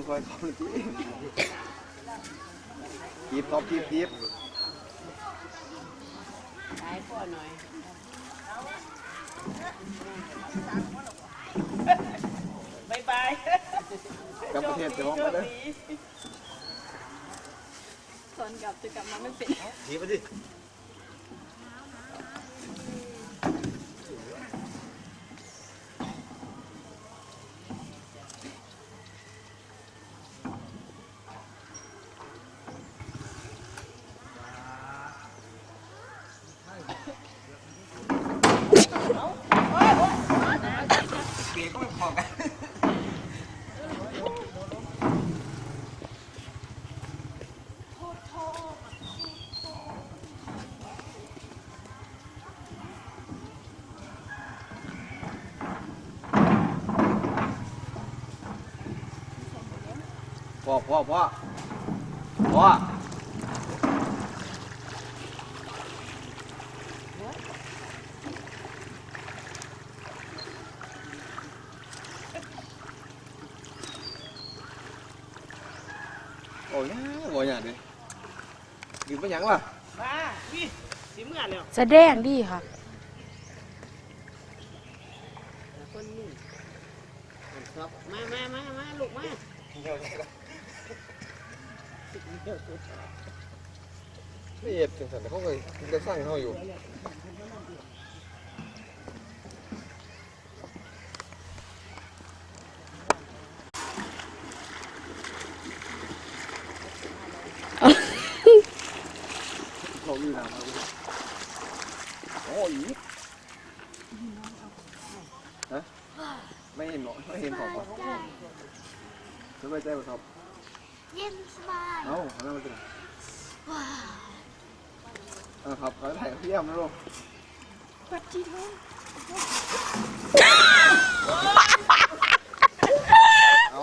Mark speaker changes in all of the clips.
Speaker 1: คอยเขาเลยจีบท็อปจีบ
Speaker 2: ขายพ่อหน่อยบายบาย
Speaker 1: กับประเทศจะมองมาเลย
Speaker 3: ตอนกลับจะกลับมาไม่เป็น
Speaker 1: จีบไปดิพ่อโอ้ยบ่อยอย่างนี้กินไปยังวะ
Speaker 2: มาพี่สิเมื่อแล้ว
Speaker 3: แสดงดีค่ะ
Speaker 2: คนนี้ครับมาลูกมา
Speaker 1: ไม่เอ็ดจังสันเขาเคยจะสร้างเขาอยู่เขามีน้ำโอ้ยฮะไม่เห็นหรอไม่เห็นของป่ะสบายใจป่ะครับ
Speaker 3: เย็นสบาย
Speaker 1: เอ้าทำไมมันเป็นครับเขาถ่ายเพี้ยมนะลูก
Speaker 3: วัดจีท้อง
Speaker 1: เอา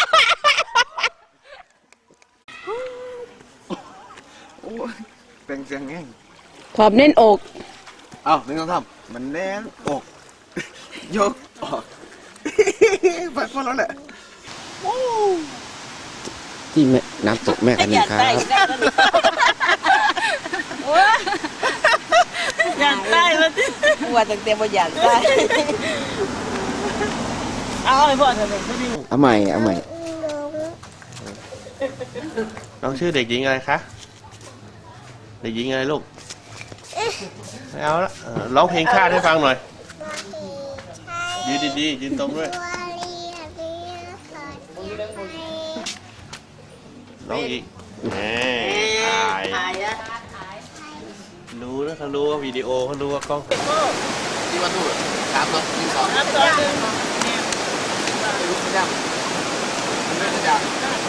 Speaker 1: โอ้ยเป็นเสียงแง่ง
Speaker 3: ขอบเน้นอก
Speaker 1: เอ้าหนึ่งสองสามมันแน่นอกยกออกไปพอแล้วแหละที่แม่น้ำตกแม่กันนี่ครับ
Speaker 2: อยากได้มาที่ว่าตั้งแต่บ่อยากได้เอาให้พ่อเถอะ
Speaker 1: เอาใหม่
Speaker 4: น้องชื่อเด็กหญิงอะไรคะเด็กหญิงอะไรลูกไม่เอาละร้องเพลงชาติให้ฟังหน่อยยืนดีๆยืนตรงด้วยร้องอีกแหมถ่ายรู้นะเขารู้ว่าวิดีโอเขารู้ว่ากล้อง
Speaker 1: ที่ว่าตู้3 2 1 2ลูกจ้าแม่จ้า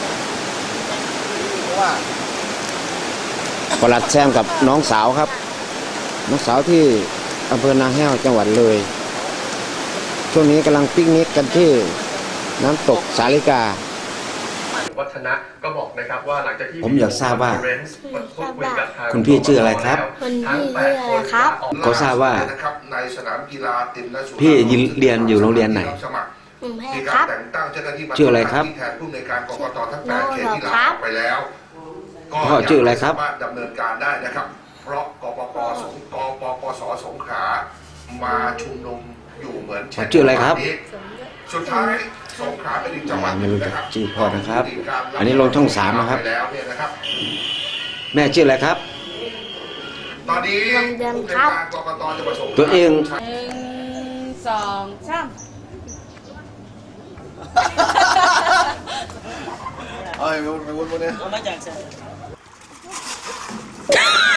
Speaker 1: เพราะว่าประหลัดแซมกับน้องสาวครับน้องสาวที่อำเภอนาแห้วจังหวัดเลยช่วงนี้กำลังปิกนิกกันที่น้ำตกสาลิกา
Speaker 4: วัฒนะก็บอกนะครับว่าหลังจากที่
Speaker 1: ผมอยากทราบว่าคุณพี่ชื่ออะไรครับ
Speaker 3: คุณพี่ชื่ออะไรครับ
Speaker 1: เขาทราบว่า
Speaker 5: ในสนามกีฬาตินและสุ
Speaker 1: พี่เรียนอยู่โรงเรียนไหน
Speaker 5: มีการแต่งตั้งเจ้าหน้าที่มา
Speaker 1: ชื่ออะไรครับ
Speaker 5: แทนผู้อำนวยการกกตทั้ง8เขตที่ลาออกไปแล้ว
Speaker 1: พ่อชื่ออะไรครับ
Speaker 5: สามารถดำเนินการได้นะครับเพราะกปปสสงขลามาชุมนุมอยู่เหมือน
Speaker 1: ชื่ออะไรครับ
Speaker 5: สุดท้ายสงขลาเป็นอีกจังหวัด
Speaker 1: ไม่รู้จักชื่อพ่อนะครับอันนี้ลงช่อง3นะครับแม่ชื่ออะไรครับ
Speaker 5: ตอนนี้ผู้ในการกกตจะประสงค์
Speaker 1: ตัวเอง
Speaker 2: 1 2 3
Speaker 1: เอ้ยไม่วุ้นเนี่ย
Speaker 2: เอามาจาก